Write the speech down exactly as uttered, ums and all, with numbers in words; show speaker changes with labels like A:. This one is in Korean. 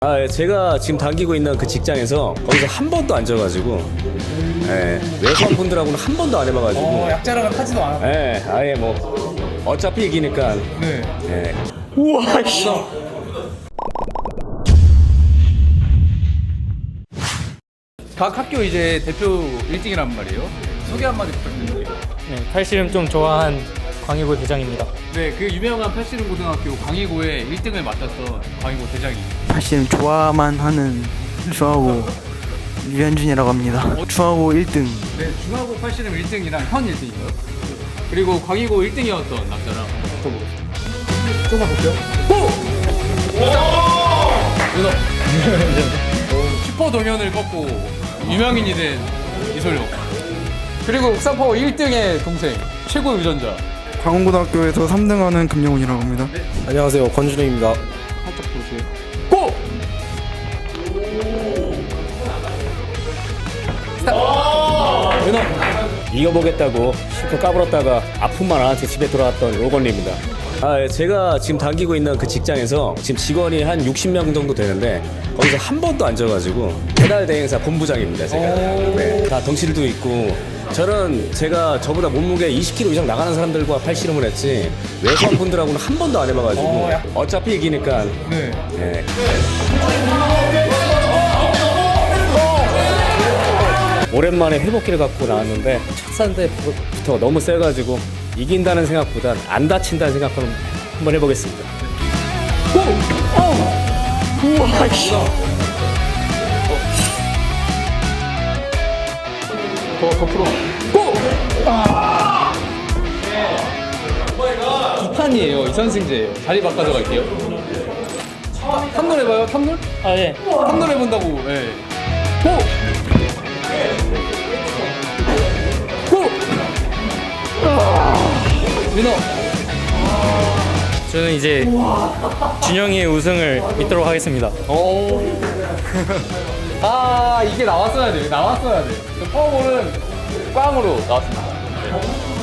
A: 아, 예, 제가 지금 다니고 있는 그 직장에서 거기서 한 번도 안 져가지고, 예, 외부한 분들하고는 한 번도 안 해봐가지고,
B: 어, 약자랑은 타지도 않았고.
A: 예, 아예 뭐 어차피 이기니까,
B: 네.
A: 예.
B: 우와, 씨. 각 학교 이제 대표 일 등이란 말이에요. 소개 한마디 부탁드릴게요.
C: 네, 팔씨름 좀 좋아한 광희고 대장입니다.
B: 네, 그 유명한 팔씨름 고등학교 광희고의 일 등을 맡았던 광희고 대장입니다.
D: 사실 좋아만 하는 중하고 유현준이라고 합니다. 중하고 일 등.
B: 네, 중하고 팔씨름 일 등이랑 현 일 등이고요. 그리고 광희고 일 등이었던 남자랑 붙어보겠습니다. 조금만 볼게요. 오! 윤호. 슈퍼 동현을 꺾고 유명인이 된 이솔룡. 그리고 옥상파워 일 등의 동생 최고 유전자.
D: 강원고등학교에서 삼 등하는 금영훈이라고 합니다.
E: 안녕하세요, 권준영입니다.
B: 살짝 보세요. 고!
A: 윤호! 이겨보겠다고 실컷 까불었다가 아픔만 안한채 집에 돌아왔던 로건리입니다. 아, 예, 제가 지금 다니고 있는 그 직장에서 지금 직원이 한 육십 명 정도 되는데 거기서 한 번도 안 져가지고 배달 대행사 본부장입니다, 제가. 네, 다 덩치도 있고 저는 제가 저보다 몸무게 이십 킬로그램 이상 나가는 사람들과 팔씨름을 했지 외부한 분들하고는 한 번도 안 해봐가지고
B: 어, 약-
A: 어차피 이기니까.
B: 네.
A: 예. 오랜만에 회복기를 갖고 나왔는데 첫 상대부터 너무 세가지고 이긴다는 생각보단 안 다친다는 생각으로 한번 해보겠습니다.
B: 더, 더 풀어. 고! 아! 두 판이에요. 이선승제예요. 자리 바꿔서 갈게요. 탐놀 해봐요. 탐놀?
C: 아, 예.
B: 탐놀 해본다고. 예. 고! 고! 아! 민호.
C: 저는 이제 준영이의 우승을 믿도록 하겠습니다.
B: 오. 아, 이게 나왔어야 돼. 나왔어야 돼. 파워볼은 꽝으로 나왔습니다. 네.